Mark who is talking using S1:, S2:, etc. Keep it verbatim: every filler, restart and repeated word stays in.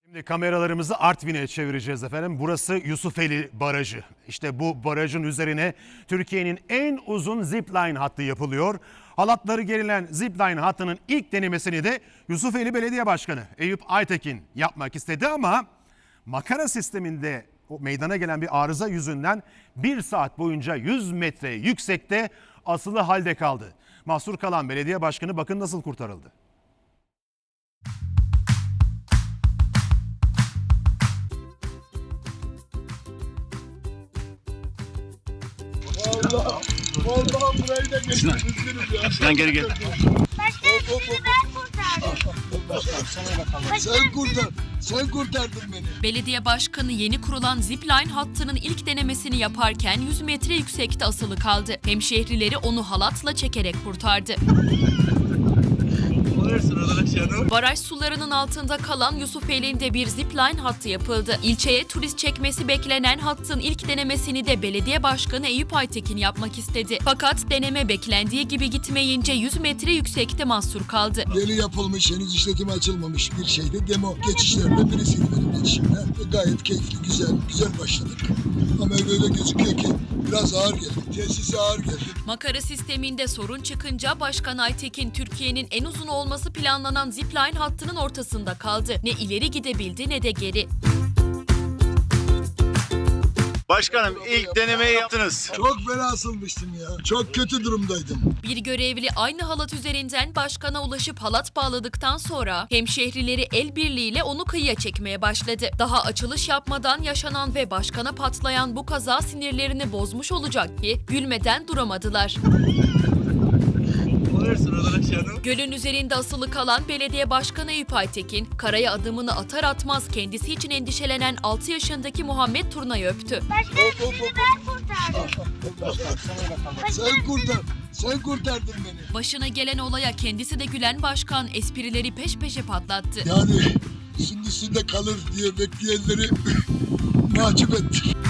S1: Şimdi kameralarımızı Artvin'e çevireceğiz efendim. Burası Yusufeli Barajı. İşte bu barajın üzerine Türkiye'nin en uzun zipline hattı yapılıyor. Halatları gerilen zipline hattının ilk denemesini de Yusufeli Belediye Başkanı Eyüp Aytekin yapmak istedi ama makara sisteminde o meydana gelen bir arıza yüzünden bir saat boyunca yüz metre yüksekte asılı halde kaldı. Mahsur kalan belediye başkanı bakın nasıl kurtarıldı.
S2: Allah, vallahi burayı da geçtim. Üzgünüm ya.
S3: Sen geri gel.
S4: Başkanım sizi ben kurtardım.
S2: Sen kurtar, sen kurtardın beni.
S5: Belediye başkanı yeni kurulan zipline hattının ilk denemesini yaparken yüz metre yüksekte asılı kaldı. Hemşehrileri onu halatla çekerek kurtardı. Baraj sularının altında kalan Yusufeli'nde bir zipline hattı yapıldı. İlçeye turist çekmesi beklenen hattın ilk denemesini de belediye başkanı Eyüp Aytekin yapmak istedi. Fakat deneme beklendiği gibi gitmeyince yüz metre yüksekte mahsur kaldı.
S2: Yeni yapılmış, henüz işletime açılmamış bir şeydi. Demo geçişlerinde birisiydi benim geçişimde. Gayet keyifli, güzel, güzel başladık. Ama öyle gözüküyor ki biraz ağır geldi. Tesisi ağır geldi.
S5: Makara sisteminde sorun çıkınca Başkan Aytekin Türkiye'nin en uzun olması planlanan zipline hattının ortasında kaldı. Ne ileri gidebildi ne de geri.
S3: Başkanım ilk denemeyi yaptınız.
S2: Çok fena asılmıştım ya. Çok kötü durumdaydım.
S5: Bir görevli aynı halat üzerinden başkana ulaşıp halat bağladıktan sonra hemşehrileri el birliğiyle onu kıyıya çekmeye başladı. Daha açılış yapmadan yaşanan ve başkana patlayan bu kaza sinirlerini bozmuş olacak ki gülmeden duramadılar. Gölün üzerinde asılı kalan belediye başkanı Eyüp Aytekin, karaya adımını atar atmaz kendisi için endişelenen altı yaşındaki Muhammed Turna'yı öptü.
S4: Başkanım sizi ben kurtardım.
S2: Sen kurtar, sen kurtardın beni.
S5: Başına gelen olaya kendisi de gülen başkan esprileri peş peşe patlattı.
S2: Yani şimdi üstünde kalır diye bekleyenleri mahcup ettik.